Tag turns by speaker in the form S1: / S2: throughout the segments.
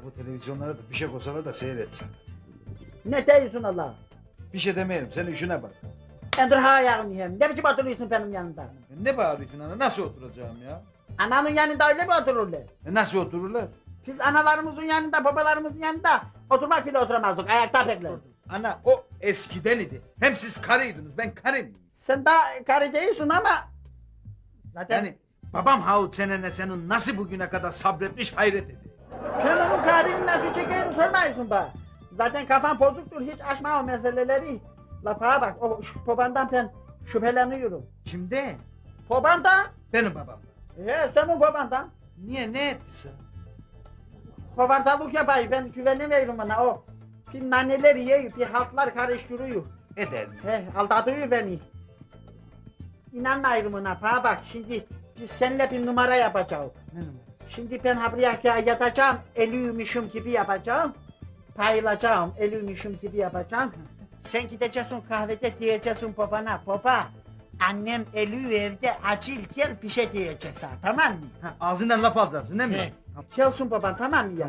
S1: bu televizyonlara da bir şey koysalar da seyretsen.
S2: Ne diyorsun Allah?
S1: Bir şey demeyelim, sen işine bak.
S2: Endir ha ayağını yiyeyim. Ne biçim oturuyorsun benim yanımda?
S1: Ne bağırıyorsun ana, nasıl oturacağım ya?
S2: Ananın yanında öyle mi otururlar?
S1: Nasıl otururlar?
S2: Biz analarımızın yanında, babalarımızın yanında oturmak bile oturamazdık. Ayakta beklerdik.
S1: Ana o eskiden idi. Hem siz karıydınız, ben karı mıyım?
S2: Sen daha karı değilsin ama... Zaten
S1: Yani babam Havut senene senin nasıl bugüne kadar sabretmiş hayret ediyor.
S2: sen onun karını nasıl çekerim sormayısın bana. Zaten kafan bozuktur, hiç açma o meseleleri. Lafa bak, o şu babandan ben şüpheleniyorum.
S1: Kimde?
S2: Babandan?
S1: Benim babam.
S2: Senin babandan.
S1: Niye, ne etti sen?
S2: Kovardalık yapayım, ben güvenemiyorum bana o. Bir naneler yiyor, bir haltlar karıştırıyor.
S1: Eder mi?
S2: Aldatıyor beni. İnanmayırım ona, bana bak şimdi biz seninle bir numara yapacağız.
S1: Ne numarası?
S2: Şimdi ben buraya yatacağım, ölüymüşüm gibi yapacağım. Payılacağım, ölüymüşüm gibi yapacağım. Sen gideceksin kahvede diyeceksin babana, baba. Annem ölü evde acil gel bir şey diyecek sana, tamam mı?
S1: Ha, ağzından laf alacaksın değil mi?
S2: He.
S1: Tamam.
S2: Gelsin baban, tamam mı ya?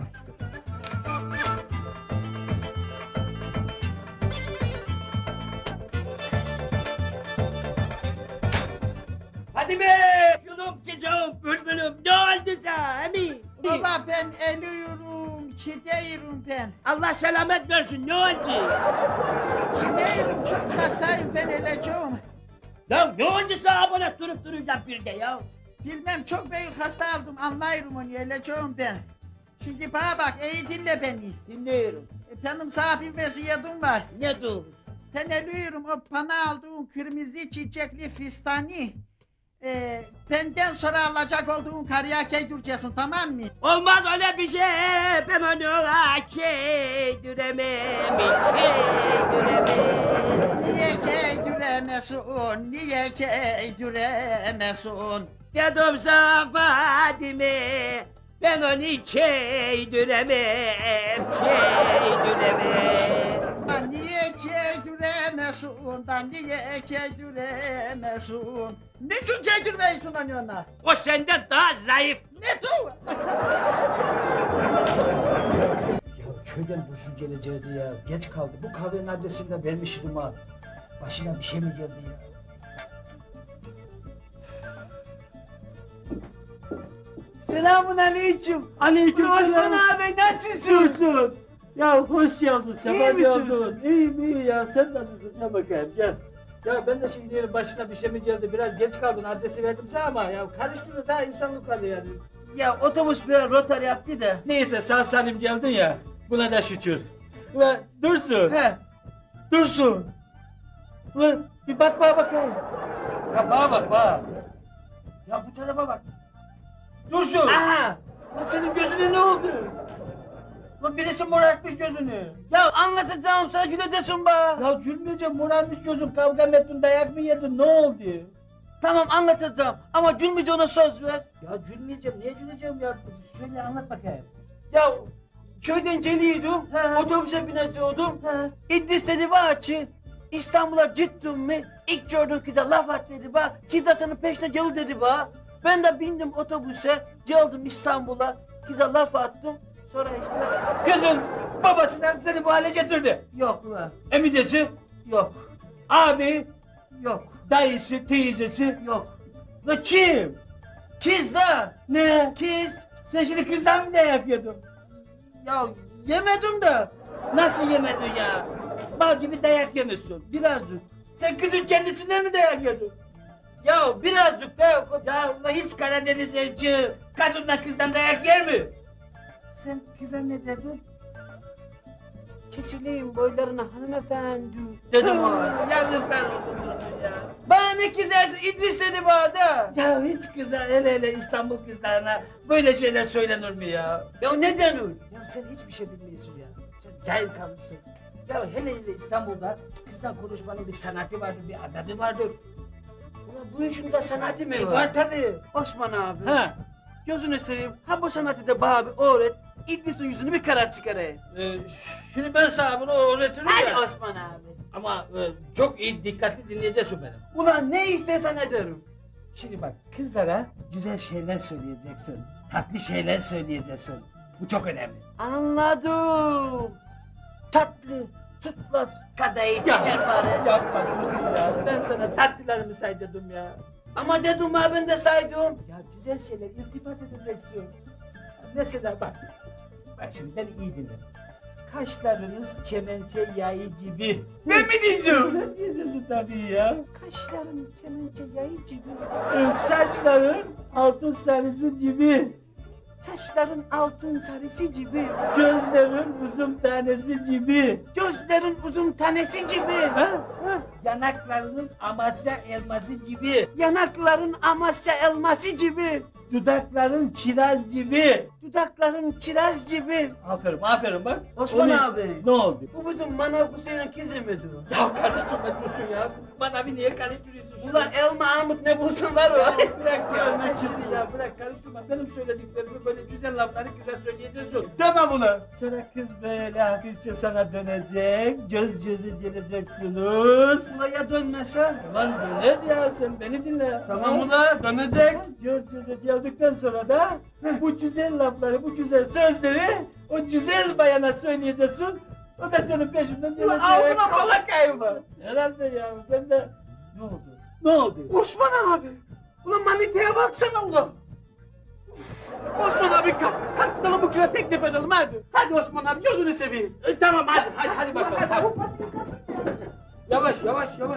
S3: Hadi be! Yolum çocuğum, bülbülüm, ne oldu sana emin?
S2: Valla ben ölüyorum, gidiyorum ben.
S3: Allah selamet versin, ne oldu?
S2: Gidiyorum, çok hastayım, ben öleceğim.
S3: Ya ne oldu sana bana durup duracak bir de ya?
S2: Bilmem, çok büyük hasta aldım, anlıyorum onu, öleceğim ben. Şimdi bana bak, iyi dinle beni.
S3: Dinliyorum.
S2: Benim sana bir vesiyetim var.
S3: Ne dur?
S2: Ben ölüyorum, o bana aldığın kırmızı çiçekli fistani. Benden sonra alacak olduğun karıya giydireceksin, tamam mı?
S3: Olmaz öyle bir şey, ben onu keydüremem, keydüremem.
S2: Niye giydiremezsin, niye giydiremezsin?
S3: Dedim sana Fadime, ben onu keydüremem, keydüremem.
S2: Da niye giydiremezsin, da niye giydiremezsin? Niçin giydirmeyisin lan ona?
S3: O senden daha zayıf.
S2: Ne tu?
S4: Ya köyden Dursun geleceğiydi ya. Geç kaldı. Bu kahvenin adresini de vermiştim ha. Başına bir şey mi geldi ya?
S5: Selamun aleyküm.
S4: Aleykümselam.
S5: Osman abi nasılsın?
S4: Dursun. Ya hoş geldin. Sefa
S5: İyi misin?
S4: geldin. İyiyim iyi ya. Sen nasılsın? Gel bakayım gel. Ya ben de şimdi başına bir şey mi geldi? Biraz geç kaldın. Adresi verdim sana ama ya karıştırıyor daha insanlık hali yani.
S5: Ya otobüs biraz rotar yaptı da.
S4: Neyse sağ salim geldin ya. Buna da şükür. Ulan Dursun.
S5: He.
S4: Dursun. Ulan bir bak bana bakayım. Ya bana bak bana. Ya bu tarafa bak. Dursun.
S5: Aha.
S4: Lan senin gözüne ne oldu? Lan birisi morartmış gözünü.
S5: Ya anlatacağım sana güledesin be.
S4: Ya gülmeyeceğim morarmış gözün. Kavga mı ettin, dayak mı yedin, ne oldu?
S5: Tamam anlatacağım ama gülmeyece ona söz ver.
S4: Ya gülmeyeceğim, niye güleceğim ya? Söyle anlat bakayım.
S5: Ya köyden geliyordum.
S4: He.
S5: Otobüse binecektim.
S4: He.
S5: İdris dedi bana ki İstanbul'a gittin mi? İlk gördüğün kıza laf at dedi bana. Kız da senin peşine gel dedi bana. Ben de bindim otobüse. Geldim İstanbul'a. Kıza laf attım. Sonra işte
S4: Kızın babasından seni bu hale getirdi.
S5: yok ulan.
S4: Emidesi,
S5: Yok.
S4: abi,
S5: Yok.
S4: dayısı, teyzesi.
S5: Yok.
S4: La kim?
S5: Kız da.
S4: Ne?
S5: Kız.
S4: Sen şimdi kızdan mı dayak yedin?
S5: Ya yemedim de.
S4: Nasıl yemedin ya? Bal gibi dayak yemişsin.
S5: Birazcık.
S4: Sen kızın kendisinden mi dayak yedin?
S5: Ya birazcık da.
S4: Ya ulan hiç Karadeniz elçi kadından kızdan dayak yer mi?
S5: Sen kıza ne dedin? Çeşileyim boylarına hanımefendi dedim ona.
S4: Yazıklar olsun Dursun ya.
S5: Bana ne kızardı İdris dedi bana da.
S4: Ya hiç kıza hele İstanbul kızlarına böyle şeyler söylenir mi ya?
S5: Ya ne denir?
S4: Ya sen hiçbir şey bilmiyorsun ya. Sen cahil kalmışsın. Ya hele İstanbul'da kızla konuşmanın bir sanatı vardır, bir adabı vardır. Ulan bu işin de sanatı mı var?
S5: Var tabii. Osman abi.
S4: Ha.
S5: Gözünü seveyim. Ha bu sanatı da bana bir öğret. İdris'in yüzünü bir kara çıkarayım.
S4: Şimdi ben sana bunu öğretirim
S5: Hadi
S4: ya.
S5: Osman abi.
S4: Ama çok iyi dikkatli dinleyeceksin beni.
S5: Ulan ne istersen ederim.
S4: Şimdi bak kızlara güzel şeyler söyleyeceksin. Tatlı şeyler söyleyeceksin. Bu çok önemli.
S5: Anladım. Tatlı, sütlaç, kadayıf,
S4: Ya,
S5: geçer bari.
S4: Yapma Dursun ya. Ben sana tatlılarımı say dedim ya.
S5: Ama dedim ha ben de saydım.
S4: Ya güzel şeyler iltifat edeceksin. Mesela bak. Bak şimdi beni iyi dinle. Kaşlarınız kemençe yayı gibi.
S5: Ben mi diyeceğim?
S4: Sen diyeceksin tabii ya.
S5: Kaşlarım kemençe yayı gibi.
S4: Saçların altın sarısı gibi.
S5: Saçların altın sarısı gibi.
S4: Gözlerin uzun tanesi gibi.
S5: Gözlerin uzun tanesi gibi.
S4: Ha? Ha? Yanaklarınız Amasya elması gibi.
S5: Yanakların Amasya elması gibi.
S4: Dudakların kiraz gibi.
S5: Dudakların kiraz gibi.
S4: Aferin, aferin bak.
S5: Osman
S4: O ne?
S5: abi.
S4: Ne oldu?
S5: Bu bizim Manav Hüseyin'in kızı mıdır?
S4: Ya karıştırma Dursun ya. Bana bir niye karıştırıyorsun?
S5: Ulan elma armut ne bulsun var o.
S4: Bırak ya, ne kızı ya, bırak karıştırma. Benim söylediklerimi böyle güzel lafları kıza söyleyeceksin. Tamam ulan. Sonra kız böyle hafifçe sana dönecek, göz göze geleceksiniz.
S5: Ulan ya dönmese?
S4: Ulan döner ya, sen beni dinle.
S5: Tamam ulan dönecek.
S4: Göz göze geldikten sonra da bu güzel lafları, bu güzel sözleri o güzel bayana söyleyeceksin. O da senin peşinden gelecek.
S5: Ulan ağzına kola kayma.
S4: Herhalde ya, sen de... Ne oldu? Ne oldu?
S5: Osman abi. Ulan maniteye baksana ulan. Osman abi kalk gidelim bu kıza teklif edelim hadi. Hadi Osman abi gözünü seveyim.
S4: Tamam hadi bakalım. Yavaş yavaş.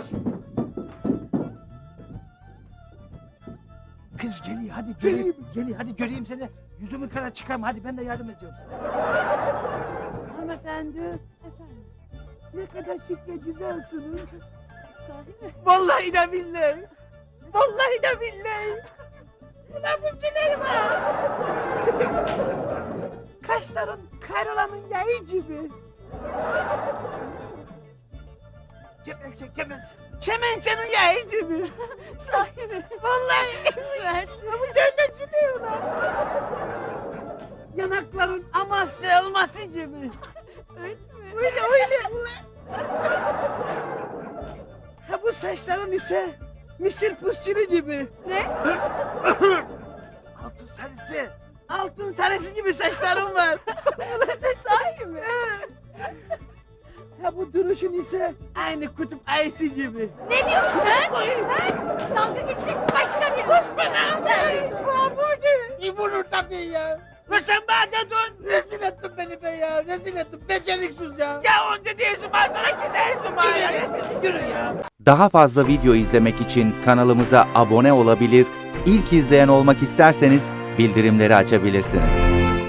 S1: Kız geliyor hadi göreyim. Geliyor hadi göreyim seni. Yüzümü kara çıkarma hadi ben de yardım ediyorum sana.
S5: Hanımefendi.
S6: Efendim,
S5: Ne kadar şık ve güzelsiniz.
S6: sahi mi?
S5: Vallahi de billahi. Vallahi de billahi. Ulan bu Cüneyt ha. Kaşların karalanın yayı gibi. Kemençenin yayı gibi.
S6: Sahi mi?
S5: Vallahi
S6: Versin.
S5: bu cennet Cüneyt ulan. Yanakların Amasya elması gibi.
S6: Öyle mi?
S5: Öyle ulan. Ha bu saçların ise Mısır pusçulu gibi.
S6: Ne?
S5: Altın sarısı. Altın sarısı gibi saçlarım var.
S6: Sahi mi?
S5: Ha bu duruşun ise aynı kutup ayısı gibi.
S6: Ne diyorsun sen? Ben dalga geçecek başka bir
S5: Osman abi! Mahmudi! İbunur tabii ya. Ve sen bana dedin. Rezil ettin beni be ya. Rezil ettin. Beceriksiz ya. Ya onca değilsin ben sana güzelsin bana ya. Yürü ya.
S7: Daha fazla video izlemek için kanalımıza abone olabilir, ilk izleyen olmak isterseniz bildirimleri açabilirsiniz.